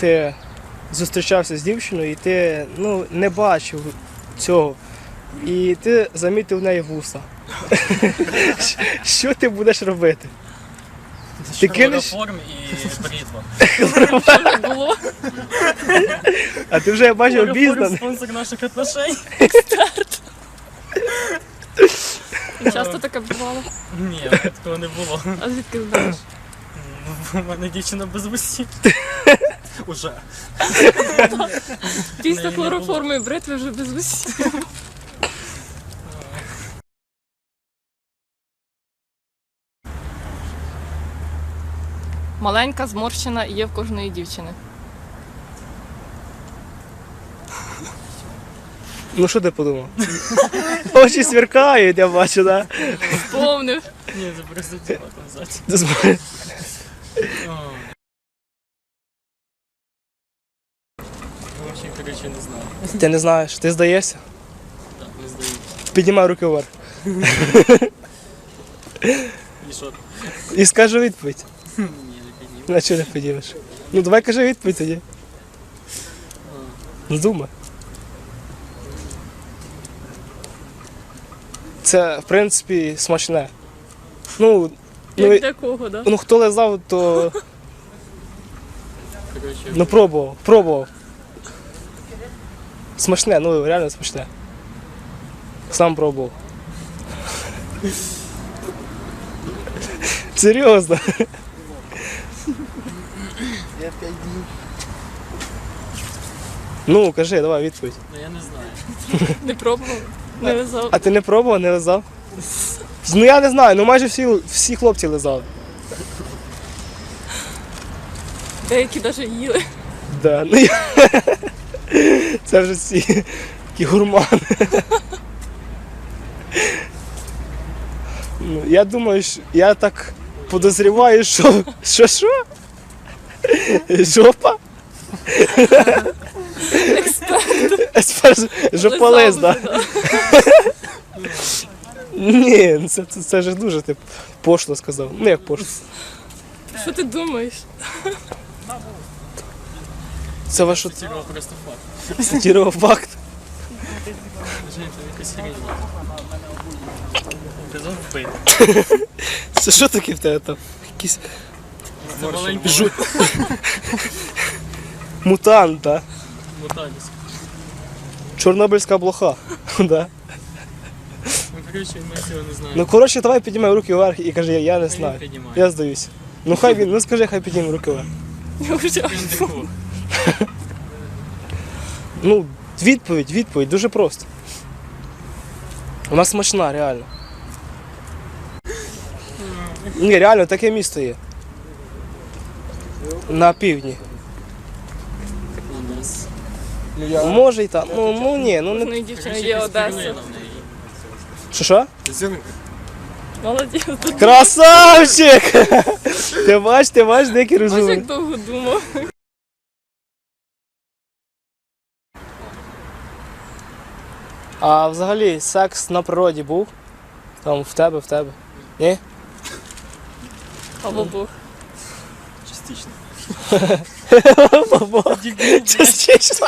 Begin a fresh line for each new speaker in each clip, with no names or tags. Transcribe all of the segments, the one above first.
ти зустрічався з дівчиною і ти не бачив цього. І ти замітив в неї вуса. Що ти будеш робити? Ти кинеш?
Хлороформ і бритва.
Було.
А ти вже, я бачив,
Хлороформ
обізнаний.
спонсор наших отношень.
Часто таке бувало.
Ні, такого не було.
А звідки знаєш?
У мене дівчина без вусів. Уже.
Після
Не було.
хлороформу і бритви вже без усіх. Маленька, зморщена є в кожної дівчини.
Ну що ти подумав? Очі сверкають, я бачу, так?
Повнив.
Ні, це просто тіло там ззаді.
Да?
Взагалі, коротше, не знаю.
Ти не знаєш, ти здаєшся?
Так, не здаю.
Піднімай руки вверх.
І що?
І скажи відповідь.
Ні, не підніму.
На чого не поділиш? Ну давай кажи відповідь тоді. Ну думай. Це, в принципі, смачне. Ну,
Як для кого, да?
хто лизав, то
Коротше,
пробував. Смачне, реально смачне. Сам пробував. Серйозно. Ну, кажи, давай відповідь.
ну я не знаю.
Не пробував, не лизав.
А ти не пробував, не лизав? Ну я не знаю, майже всі хлопці лизали.
Деякі навіть їли.
Да, це вже всі такі гурмани. Я думаю, я так подозріваю, що жопа? Експерт. Жополиз,
Лизав
так?
вже, да.
Ні, це ж дуже ти пошло сказав. Ну як пошло.
Що ти думаєш?
Це ваш
Цікаво просто факт.
цитував факт.
Жень, це якась хрень. Казав вбити.
Це що таке в тебе там? Якісь
Це маленький
мутант, так?
муталіс.
Чорнобильська блоха. Да.
Ну, коротше, ми цього не знаємо.
Ну коротше, давай піднімай руки вверх і кажи, я не
Хай
знаю.
він піднімає.
Я здаюся. Ну хай він, скажи, хай підніме руки вверх.
Я вже
Він такого.
Ну, відповідь, дуже просто. Вона смачна, реально. Ні, реально, таке місто є. На півдні.
У нас.
Може і там. Ні, не.
кожної дівчини є Одеса.
Що?
Молодець.
Красавчик! Ти бачиш, деякий
Ось
розумний.
як довго думав.
А взагалі секс на природі був? Там в тебе? Ні?
Або Бог.
Частично.
Частично.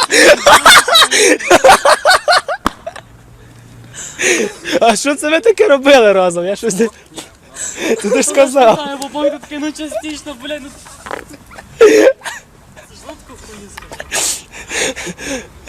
А що це ви таке робили разом? Я щось не... Ти ж сказав.
Знаю, бо Бог такий, ну частично, блядь, ну... Це ж лодку хуї.